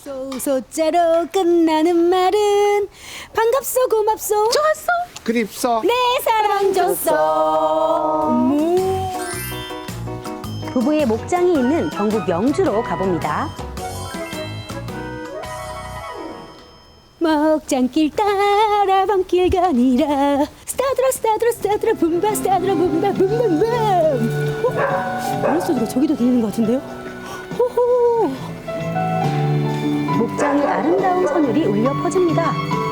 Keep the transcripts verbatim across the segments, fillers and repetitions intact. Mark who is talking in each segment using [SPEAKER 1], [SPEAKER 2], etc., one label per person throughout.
[SPEAKER 1] 소소자로 끝나는 말은 반갑소 고맙소
[SPEAKER 2] 좋았어.
[SPEAKER 3] 그립소.
[SPEAKER 1] 내 사랑 줬어.
[SPEAKER 4] 부부의 목장이 있는 경북 영주로 가봅니다.
[SPEAKER 1] 먹장길 따라 밤길 가니라 스타드라 스타드라 스타드라 붐바 스타드라 붐바 붐붐붐. 어? 이런 소리가 저기도 들리는 것 같은데요? 호호.
[SPEAKER 4] 목장의 아름다운 선율이 울려 퍼집니다.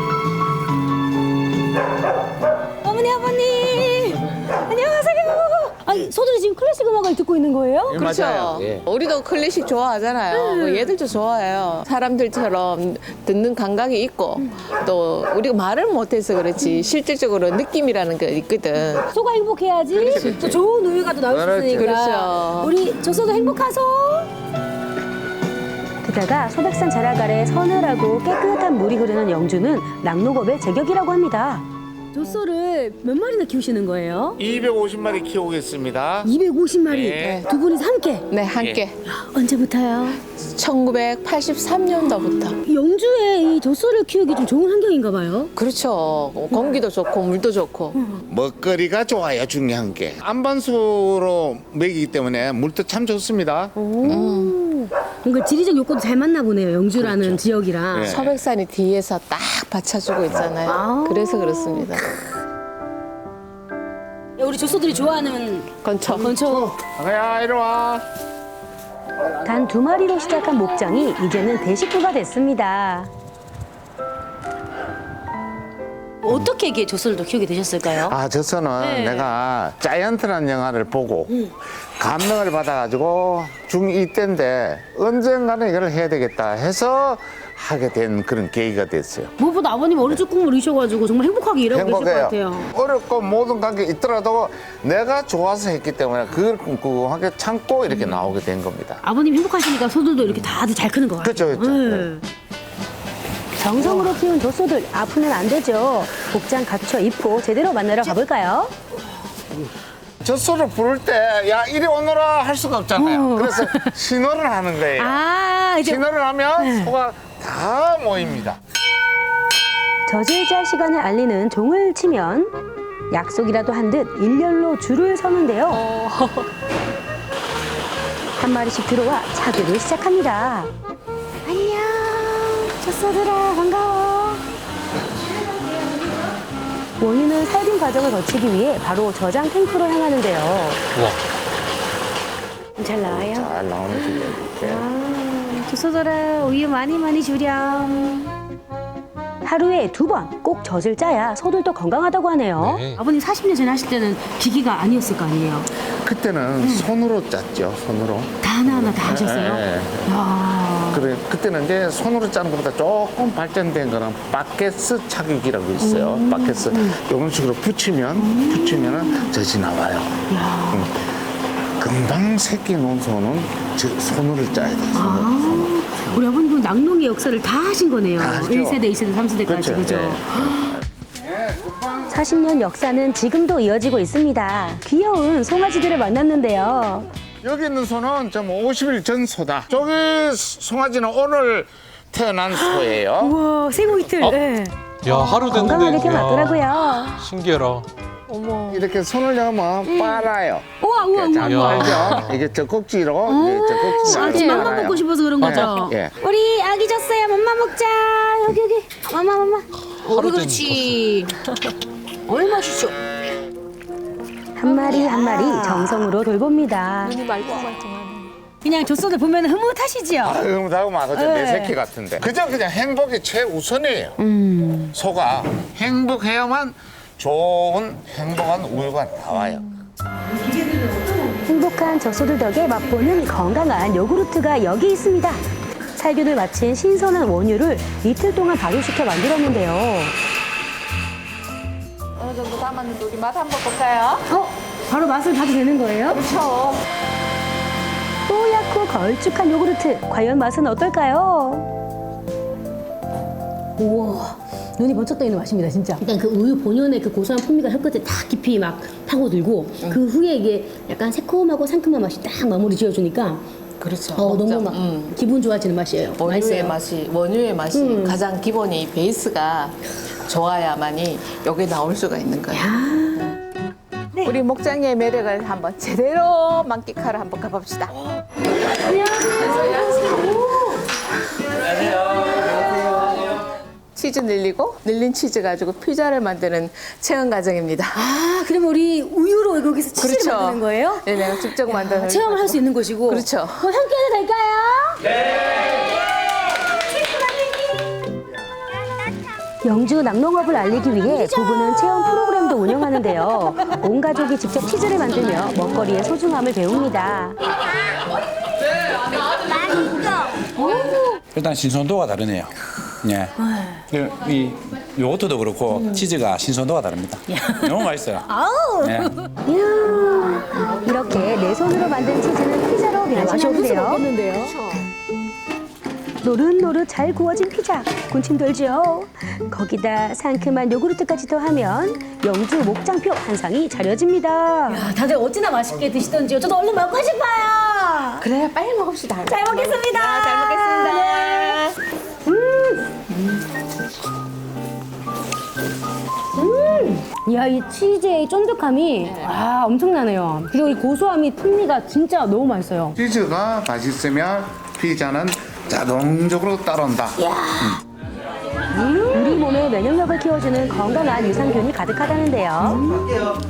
[SPEAKER 1] 어머니 아버님 안녕하세요. 아니 소들이 지금 클래식 음악을 듣고 있는 거예요?
[SPEAKER 3] 예,
[SPEAKER 2] 그렇죠.
[SPEAKER 3] 맞아요. 예.
[SPEAKER 2] 우리도 클래식 좋아하잖아요. 뭐 얘들도 좋아해요. 사람들처럼 듣는 감각이 있고 또 우리가 말을 못해서 그렇지 실질적으로 느낌이라는 게 있거든.
[SPEAKER 1] 소가 행복해야지 또 좋은 우유가 또 나올 수
[SPEAKER 3] 그렇지.
[SPEAKER 1] 있으니까
[SPEAKER 2] 그렇죠.
[SPEAKER 1] 우리 조소도 행복하소.
[SPEAKER 4] 게다가 소백산 자락 아래 서늘하고 깨끗한 물이 흐르는 영주는 낙농업의 제격이라고 합니다.
[SPEAKER 1] 조소를 몇 마리나 키우시는 거예요?
[SPEAKER 3] 이백오십 마리 키우겠습니다.
[SPEAKER 1] 이백오십 마리
[SPEAKER 3] 네.
[SPEAKER 1] 두 분이서 함께
[SPEAKER 2] 네, 함께.
[SPEAKER 1] 언제부터요?
[SPEAKER 2] 천구백팔십삼 년도부터.
[SPEAKER 1] 영주에 이 젖소를 키우기 좀 좋은 환경인가 봐요.
[SPEAKER 2] 그렇죠. 공기도 좋고 물도 좋고.
[SPEAKER 3] 먹거리가 좋아요, 중요한 게. 안반수로 먹이기 때문에 물도 참 좋습니다.
[SPEAKER 1] 오. 뭔가 지리적 요건도 잘 맞나 보네요. 영주라는 지역이랑.
[SPEAKER 3] 네.
[SPEAKER 2] 서백산이 뒤에서 딱 받쳐주고 있잖아요.
[SPEAKER 1] 아.
[SPEAKER 2] 그래서 그렇습니다.
[SPEAKER 1] 우리 젖소들이 좋아하는
[SPEAKER 2] 건초.
[SPEAKER 1] 건초.
[SPEAKER 3] 야, 이리 와.
[SPEAKER 4] 단 두 마리로 시작한 목장이 이제는 대식구가 됐습니다.
[SPEAKER 1] 어떻게 이게 젖소를 키우게 되셨을까요?
[SPEAKER 3] 아, 저서는
[SPEAKER 1] 네.
[SPEAKER 3] 내가 자이언트라는 영화를 보고 감명을 받아가지고 중이 때인데 언젠가는 이걸 해야 되겠다 해서 하게 된 그런 계기가 됐어요.
[SPEAKER 1] 무엇보다 아버님 어린 쪽 꿈을 이셔가지고 정말 행복하게 일하고 계실 것
[SPEAKER 3] 행복해요.
[SPEAKER 1] 같아요.
[SPEAKER 3] 어렵고 모든 관계 있더라도 내가 좋아서 했기 때문에 그걸 꼼꼼하게 참고 이렇게 나오게 된 겁니다.
[SPEAKER 1] 아버님 행복하시니까 소들도 이렇게 다들 잘 크는 것 같아요.
[SPEAKER 3] 그렇죠, 그렇죠.
[SPEAKER 1] 네.
[SPEAKER 4] 정성으로 키운 젖소들 아프면 안 되죠. 목장 갖춰 입고 제대로 만나러 가볼까요?
[SPEAKER 3] 젖소를 부를 때 야 이리 오너라 할 수가 없잖아요. 그래서 신호를 하는 거예요.
[SPEAKER 1] 아 이제
[SPEAKER 3] 신호를 하면 소가 다 모입니다.
[SPEAKER 4] 젖을 시간을 알리는 종을 치면 약속이라도 한 듯 일렬로 줄을 서는데요. 한 마리씩 들어와 차교를 시작합니다.
[SPEAKER 1] 안녕 젖소들아 반가워.
[SPEAKER 4] 원유는 살균 과정을 거치기 위해 바로 저장 탱크로 향하는데요.
[SPEAKER 1] 잘 나와요?
[SPEAKER 3] 잘 나오는 거예요.
[SPEAKER 1] 아, 젖소들아 우유 많이 많이 주렴.
[SPEAKER 4] 하루에 두 번 꼭 젖을 짜야 소들도 건강하다고 하네요.
[SPEAKER 1] 아버님 사십 년 전에 하실 때는 기기가 아니었을 거 아니에요?
[SPEAKER 3] 그때는 손으로 짰죠. 손으로.
[SPEAKER 1] 다 하나하나 다 하셨어요?
[SPEAKER 3] 예, 예.
[SPEAKER 1] 야.
[SPEAKER 3] 그래 그때는 이제 손으로 짜는 것보다 조금 발전된 거는 바켓스 착육이라고 있어요. 바켓스 이런 식으로 붙이면 붙이면은 젖이 나와요. 음. 금방 새끼 놓은 소는 저 손으로 짜야 돼요. 손으로. 손으로.
[SPEAKER 1] 우리 아버님은 낙농의 역사를 다 하신 거네요.
[SPEAKER 3] 다 하죠.
[SPEAKER 1] 일 세대, 이 세대, 삼 세대까지.
[SPEAKER 3] 그렇죠.
[SPEAKER 1] 그죠?
[SPEAKER 4] 사십 년 역사는 지금도 이어지고 있습니다. 귀여운 송아지들을 만났는데요.
[SPEAKER 3] 여기 있는 소는 좀 오십 일 전 소다. 저기 송아지는 오늘 태어난 소예요.
[SPEAKER 1] 우와, 생후 이틀. 네.
[SPEAKER 5] 야, 하루 됐는데.
[SPEAKER 4] 건강하게
[SPEAKER 5] 야,
[SPEAKER 4] 태어났더라고요.
[SPEAKER 5] 신기해라.
[SPEAKER 3] 이렇게 손을 넣으면 빨아요.
[SPEAKER 1] 우와, 우와, 우와.
[SPEAKER 3] 잘
[SPEAKER 5] 우와.
[SPEAKER 3] 빨죠? 이게 젖꼭지로 이게 젖꼭지
[SPEAKER 1] 아, 지금 맘마 먹고 싶어서 그런 거죠?
[SPEAKER 3] 예.
[SPEAKER 1] 우리 아기 졌어요. 맘마 먹자. 여기, 여기. 맘마, 맘마. 어,
[SPEAKER 5] 하루
[SPEAKER 1] 그렇지. 얼마 맛있어.
[SPEAKER 4] 한 마리 한 마리 정성으로 돌봅니다.
[SPEAKER 1] 그냥 젖소들 보면 흐뭇하시지요?
[SPEAKER 3] 아유, 나고 막내
[SPEAKER 1] 네.
[SPEAKER 3] 새끼 같은데. 그저 그냥 행복이 최우선이에요.
[SPEAKER 1] 음.
[SPEAKER 3] 소가 행복해야만 좋은 행복한 우유가 나와요.
[SPEAKER 4] 행복한 젖소들 덕에 맛보는 건강한 요구르트가 여기 있습니다. 살균을 마친 신선한 원유를 이틀 동안 발효시켜 만들었는데요.
[SPEAKER 2] 어느 정도 담았는데 우리 맛 한번 볼까요?
[SPEAKER 1] 어? 바로 맛을 봐도 되는 거예요?
[SPEAKER 2] 그렇죠.
[SPEAKER 4] 뽀얗고 걸쭉한 요구르트. 과연 맛은 어떨까요?
[SPEAKER 1] 우와. 눈이 번쩍 떠있는 맛입니다, 진짜. 일단 그 우유 본연의 그 고소한 풍미가 혀끝에 딱 깊이 막 파고들고 그 후에 이게 약간 새콤하고 상큼한 맛이 딱 마무리 지어주니까
[SPEAKER 2] 그렇죠.
[SPEAKER 1] 어, 너무
[SPEAKER 2] 먹자.
[SPEAKER 1] 막
[SPEAKER 2] 음.
[SPEAKER 1] 기분 좋아지는 맛이에요.
[SPEAKER 2] 원유의
[SPEAKER 1] 맛있어요.
[SPEAKER 2] 맛이 원유의 맛이
[SPEAKER 1] 음.
[SPEAKER 2] 가장 기본이 베이스가 좋아야만이 여기 나올 수가 있는 거예요.
[SPEAKER 1] 네.
[SPEAKER 2] 우리 목장의 매력을 한번 제대로 만끽하러 한번 가봅시다. 치즈 늘리고 늘린 치즈 가지고 피자를 만드는 체험 과정입니다.
[SPEAKER 1] 아, 그럼 우리 우유로 여기서 치즈를
[SPEAKER 2] 그렇죠.
[SPEAKER 1] 만드는 거예요?
[SPEAKER 2] 네, 내가 직접 만드는
[SPEAKER 1] 체험을 할 수 있는 곳이고.
[SPEAKER 2] 그렇죠.
[SPEAKER 1] 그럼 함께 해도 될까요?
[SPEAKER 4] 영주 낙농업을 알리기 위해 부부는 체험 프로그램도 운영하는데요. 온 가족이 직접 치즈를 만들며 먹거리의 소중함을 배웁니다.
[SPEAKER 5] 일단 신선도가 다르네요. 예. 이 요거트도 그렇고 치즈가 신선도가 다릅니다. 너무 맛있어요. 예.
[SPEAKER 4] 이야, 이렇게 내 손으로 만든 치즈는 피자로
[SPEAKER 1] 맛이 없을 수가
[SPEAKER 4] 변신하는데요.
[SPEAKER 1] 없겠는데요?
[SPEAKER 4] 노릇노릇 잘 구워진 피자, 군침 돌죠. 거기다 상큼한 요구르트까지 더하면 영주 목장표 한 상이 차려집니다.
[SPEAKER 1] 아, 다들 어찌나 맛있게 드시던지요. 저도 얼른 먹고 싶어요.
[SPEAKER 2] 그래 빨리 먹읍시다.
[SPEAKER 1] 잘 먹겠습니다.
[SPEAKER 2] 아, 잘 먹겠습니다.
[SPEAKER 1] 이야, 이 치즈의 쫀득함이 아, 엄청나네요. 그리고 이 고소함이 풍미가 진짜 너무 맛있어요.
[SPEAKER 3] 치즈가 맛있으면 피자는 자동적으로 따라온다.
[SPEAKER 4] 우리 몸의 면역력을 키워주는 건강한 유산균이 가득하다는데요.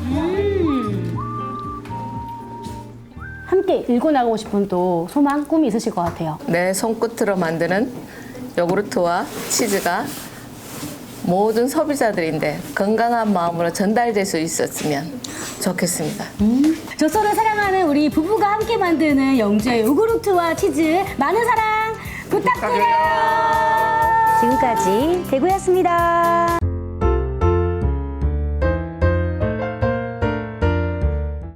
[SPEAKER 1] 함께 일궈 나가고 싶은 또 소망, 꿈이 있으실 것 같아요.
[SPEAKER 2] 내 손끝으로 만드는 요구르트와 치즈가 모든 소비자들인데 건강한 마음으로 전달될 수 있었으면 좋겠습니다.
[SPEAKER 1] 젖소를 사랑하는 우리 부부가 함께 만드는 영주의 요구르트와 치즈 많은 사랑 부탁드려요.
[SPEAKER 4] 지금까지 대구였습니다.